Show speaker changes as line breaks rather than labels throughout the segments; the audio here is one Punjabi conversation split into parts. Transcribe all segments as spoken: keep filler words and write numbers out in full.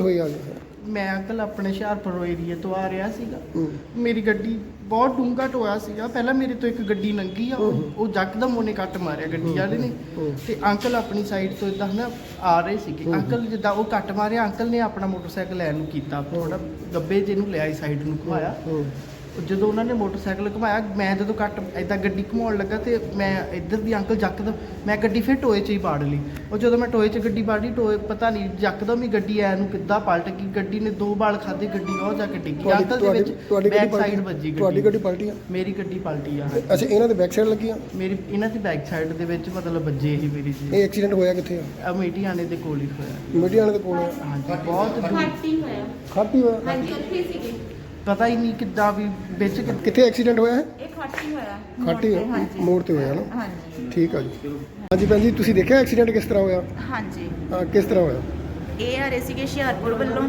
ਹੋਈ ਆ ਗਈ?
मैं अंकल अपने हुशियारपुर एरिए तो आ रहा सीगा,
ਹੂੰ
मेरी गड्डी बहुत डूंगा टोया सीगा। पहला मेरे तो एक गड्डी लंघी आ, वो जकदम ਉਹਨੇ ਕੱਟ ਮਾਰਿਆ ਗੱਡੀ ਵਾਲੇ ਨੇ। ਤੇ ਅੰਕਲ ਆਪਣੀ ਸਾਈਡ ਤੋਂ ਇਦਾਂ ਨਾ ਆ ਰਹੇ ਸੀਗੇ। ਅੰਕਲ ਜਿੱਦਾਂ ਉਹ ਕੱਟ ਮਾਰਿਆ, ਅੰਕਲ ਨੇ ਆਪਣਾ ਮੋਟਰਸਾਈਕਲ ਲੈਣ ਨੂੰ ਕੀਤਾ, ਥੋੜਾ ਗੱਬੇ ਜਿਹਨੂੰ ਲਿਆਈ ਸਾਈਡ ਨੂੰ ਘੁਮਾਇਆ। ਜਦੋਂ ਉਹਨਾਂ ਨੇ ਮੋਟਰਸਾਈਕਲ ਘੁਮਾਇਆ, ਮੈਂ ਜਦੋਂ ਕੱਟ ਇਦਾਂ ਗੱਡੀ ਘੁਮਾਉਣ ਲੱਗਾ ਤੇ ਮੈਂ ਇੱਧਰ ਦੀ ਅੰਕਲ ਜੱਕਦਮ ਮੈਂ ਗੱਡੀ ਫਿਰ ਟੋਏ 'ਚ ਹੀ ਪਾੜ ਲਈ। ਉਹ ਜਦੋਂ ਮੈਂ ਟੋਏ 'ਚ ਗੱਡੀ ਪਾੜੀ, ਟੋਏ ਪਤਾ ਨਹੀਂ ਜੱਕਦਮ ਹੀ ਗੱਡੀ ਐ ਨੂੰ ਕਿੱਦਾਂ ਪਲਟ ਗਈ। ਗੱਡੀ ਨੇ ਦੋ ਬਾਲ ਖਾਦੇ, ਗੱਡੀ ਉਹ ਜਾ ਕੇ ਡਿੱਗੀ। ਅੰਕਲ ਦੇ ਵਿੱਚ ਬੈਕ ਸਾਈਡ ਵੱਜੀ।
ਤੁਹਾਡੀ ਗੱਡੀ ਪਲਟੀ ਆ?
ਮੇਰੀ ਗੱਡੀ ਪਲਟੀ ਆ।
ਅੱਛਾ, ਇਹਨਾਂ ਦੇ ਬੈਕ ਸਾਈਡ ਲੱਗੀ ਆ?
ਮੇਰੀ ਇਹਨਾਂ ਦੀ ਬੈਕ ਸਾਈਡ ਦੇ ਵਿੱਚ ਮਤਲਬ ਵੱਜੇ ਹੀ ਮੇਰੀ ਜੀ।
ਇਹ ਐਕਸੀਡੈਂਟ ਹੋਇਆ ਕਿੱਥੇ ਆ?
ਅਮੇਠੀਆਣੇ ਦੇ ਕੋਲ ਹੀ ਹੋਇਆ।
ਮੀਡੀਆਣੇ ਦੇ ਕੋਲ ਆ?
ਹਾਂਜੀ, ਬਹੁਤ ਦੂਰ।
ਖਾਟੀ ਹੋਇਆ।
ਖਾਟੀ ਹੋਇਆ?
ਹਾਂਜੀ, ਉੱਥੇ ਸੀਗੇ।
ਪਤਾ ਹੀ ਨਹੀਂ ਕਿੱਦਾਂ ਵੀ ਵਿੱਚ ਕਿ-
ਕਿੱਥੇ ਐਕਸੀਡੈਂਟ ਹੋਇਆ ਹੈ?
ਇਹ ਖਾਟੀ ਹੋਇਆ।
ਖਾਟੀ
ਹਾਂਜੀ।
ਮੋੜ ਤੇ ਹੋਇਆ ਨਾ?
ਹਾਂਜੀ
ਠੀਕ ਆ ਜੀ। ਹਾਂਜੀ ਭੈਣ ਜੀ, ਤੁਸੀਂ ਦੇਖਿਆ ਐਕਸੀਡੈਂਟ ਕਿਸ ਤਰ੍ਹਾਂ ਹੋਇਆ?
ਹਾਂਜੀ,
ਹਾਂ, ਕਿਸ ਤਰ੍ਹਾਂ ਹੋਇਆ?
ਇਹ ਆ ਰਹੇ ਸੀਗੇ ਹੁਸ਼ਿਆਰਪੁਰ ਵੱਲੋਂ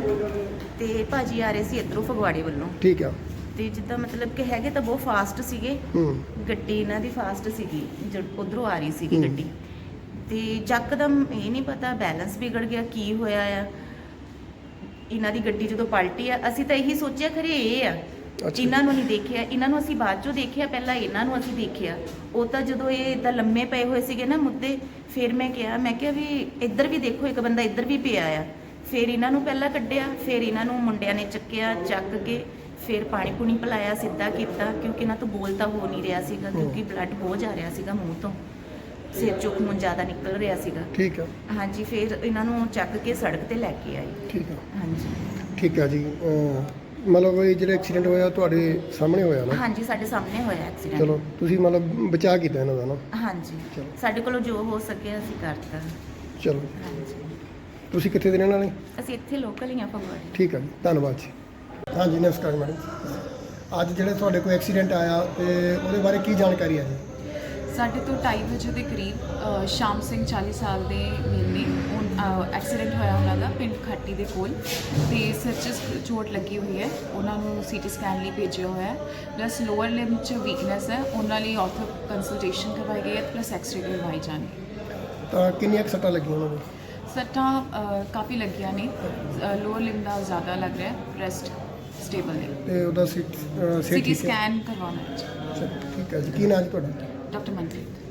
ਤੇ ਭਾਜੀ ਆ ਰਹੇ ਸੀ ਇੱਧਰੋਂ ਫਗਵਾੜੇ ਵੱਲੋਂ।
ਠੀਕ ਆ।
ਤੇ ਜਿੱਦਾਂ ਮਤਲਬ ਕਿ ਹੈਗੇ ਤਾਂ ਬਹੁਤ ਫਾਸਟ ਸੀਗੇ।
ਹੂੰ
ਗੱਡੀ ਇਹਨਾਂ ਦੀ ਫਾਸਟ ਸੀਗੀ, ਜਦ ਉਧਰੋਂ ਆ ਰਹੀ ਸੀਗੀ
ਹੂੰ।
ਗੱਡੀ। ਤੇ ਯਕਦਮ ਇਹ ਨਹੀਂ ਪਤਾ ਬੈਲੈਂਸ ਵਿਗੜ ਗਿਆ, ਕੀ ਹੋਇਆ ਆ। ਇਹਨਾਂ ਦੀ ਗੱਡੀ ਜਦੋਂ ਪਲਟੀ ਆ, ਅਸੀਂ ਤਾਂ ਇਹੀ ਸੋਚਿਆ ਖਰੇ ਇਹ ਆ।
ਅੱਛਾ।
ਇਹਨਾਂ ਨੂੰ ਨਹੀਂ ਦੇਖਿਆ, ਇਹਨਾਂ ਨੂੰ ਅਸੀਂ ਬਾਅਦ ਚੋਂ ਦੇਖਿਆ, ਪਹਿਲਾਂ ਇਹਨਾਂ ਨੂੰ ਅਸੀਂ ਦੇਖਿਆ। ਉਹ ਤਾਂ ਜਦੋਂ ਇਹ ਇਦਾਂ ਲੰਮੇ ਪਏ ਹੋਏ ਸੀਗੇ ਨਾ ਮੁੱਦੇ, ਫਿਰ ਮੈਂ ਕਿਹਾ ਮੈਂ ਕਿਹਾ ਵੀ ਇੱਧਰ ਵੀ ਦੇਖੋ, ਇੱਕ ਬੰਦਾ ਇੱਧਰ ਵੀ ਪਿਆ ਆ। ਫਿਰ ਇਹਨਾਂ ਨੂੰ ਪਹਿਲਾਂ ਕੱਢਿਆ, ਫਿਰ ਇਹਨਾਂ ਨੂੰ ਮੁੰਡਿਆਂ ਨੇ ਚੱਕਿਆ, ਚੱਕ ਕੇ ਫਿਰ ਪਾਣੀ ਪੂਣੀ ਪਿਲਾਇਆ, ਸਿੱਧਾ ਕੀਤਾ, ਕਿਉਂਕਿ ਇਹਨਾਂ ਤੋਂ ਬੋਲ ਤਾਂ ਹੋ ਨਹੀਂ ਰਿਹਾ ਸੀਗਾ, ਕਿਉਂਕਿ ਬਲੱਡ ਬਹੁਤ ਜਾ ਰਿਹਾ ਸੀਗਾ ਮੂੰਹ ਤੋਂ, ਸਿਰ ਚੋਂ ਖੂਨ ਜ਼ਿਆਦਾ ਨਿਕਲ ਰਿਹਾ ਸੀਗਾ।
ਠੀਕ ਆ।
ਹਾਂਜੀ, ਫਿਰ ਇਹਨਾਂ ਨੂੰ ਚੱਕ ਕੇ ਸੜਕ ਤੇ ਲੈ ਕੇ ਆਈ।
ਠੀਕ ਆ।
ਹਾਂਜੀ
ਠੀਕ ਆ ਜੀ। ਅਹ ਮਤਲਬ ਇਹ ਜਿਹੜਾ ਐਕਸੀਡੈਂਟ ਹੋਇਆ ਤੁਹਾਡੇ ਸਾਹਮਣੇ ਹੋਇਆ ਨਾ?
ਹਾਂਜੀ, ਸਾਡੇ ਸਾਹਮਣੇ ਹੋਇਆ ਐਕਸੀਡੈਂਟ।
ਚਲੋ, ਤੁਸੀਂ ਮਤਲਬ ਬਚਾਅ ਕੀਤਾ ਇਹਨਾਂ ਦਾ ਨਾ?
ਹਾਂਜੀ,
ਚਲੋ।
ਸਾਡੇ ਕੋਲੋਂ ਜੋ ਹੋ ਸਕਿਆ ਅਸੀਂ ਕਰਤਾ।
ਚਲੋ,
ਹਾਂਜੀ,
ਤੁਸੀਂ ਕਿੱਥੇ ਦੇ ਰਹਿਣ ਵਾਲੇ?
ਅਸੀਂ ਇੱਥੇ ਲੋਕਲ ਹੀ ਆ ਫਗਵਾੜੇ।
ਠੀਕ ਆ ਜੀ, ਧੰਨਵਾਦ ਜੀ। ਹਾਂਜੀ, ਨਮਸਕਾਰ ਮੈਡਮ। ਅੱਜ ਜਿਹੜੇ ਤੁਹਾਡੇ ਕੋਲ ਐਕਸੀਡੈਂਟ ਆਇਆ ਤੇ ਉਹਦੇ ਬਾਰੇ ਕੀ ਜਾਣਕਾਰੀ ਹੈ ਜੀ?
ਸਾਡੇ ਤੋਂ ਢਾਈ ਵਜੇ ਦੇ ਕਰੀਬ ਅ, ਸ਼ਾਮ ਸਿੰਘ ਚਾਲੀ ਸਾਲ ਦੇ ਮੇਨੇ ਐਕਸੀਡੈਂਟ ਹੋਇਆ ਉਹਨਾਂ ਦਾ ਪਿੰਡ ਖਾਟੀ ਦੇ ਕੋਲ, ਤੇ ਸਿਰ 'ਚ ਚੋਟ ਲੱਗੀ ਹੋਈ ਹੈ। ਉਹਨਾਂ ਨੂੰ ਸੀਟੀ ਸਕੈਨ ਲਈ ਭੇਜਿਆ ਹੋਇਆ ਹੈ, ਪਲੱਸ ਲੋਅਰ ਲਿੰਬ 'ਚ ਵੀਕਨੈਸ ਹੈ, ਉਹਨਾਂ ਲਈ ਆਰਥੋ ਕੰਸਲਟੇਸ਼ਨ ਕਰਵਾਈ ਗਈ ਹੈ, ਪਲੱਸ ਐਕਸਰੇ ਕਰਵਾਈ ਜਾਣੀ।
ਤਾਂ ਕਿੰਨੀਆਂ ਕੁ ਸੱਟਾਂ ਲੱਗੀਆਂ ਉਹਨਾਂ ਨੂੰ?
ਸੱਟਾਂ ਅ, ਕਾਫੀ ਲੱਗੀਆਂ ਨੇ। ਲੋਅਰ ਲਿੰਬ ਦਾ ਜ਼ਿਆਦਾ ਲੱਗ ਰਿਹਾ, ਰੈਸਟ ਸਟੇਬਲ ਹੈ।
ਤੇ ਉਹਦਾ ਸੀਟ
ਸੀਟੀ ਸਕੈਨ ਕਰਵਾਉਣਾ ਹੈ।
ਠੀਕ ਹੈ ਜੀ। ਕੀ ਨਾਮ ਜੀ ਤੁਹਾਡਾ?
ਡਾਕਟਰ ਮਨਪ੍ਰੀਤ।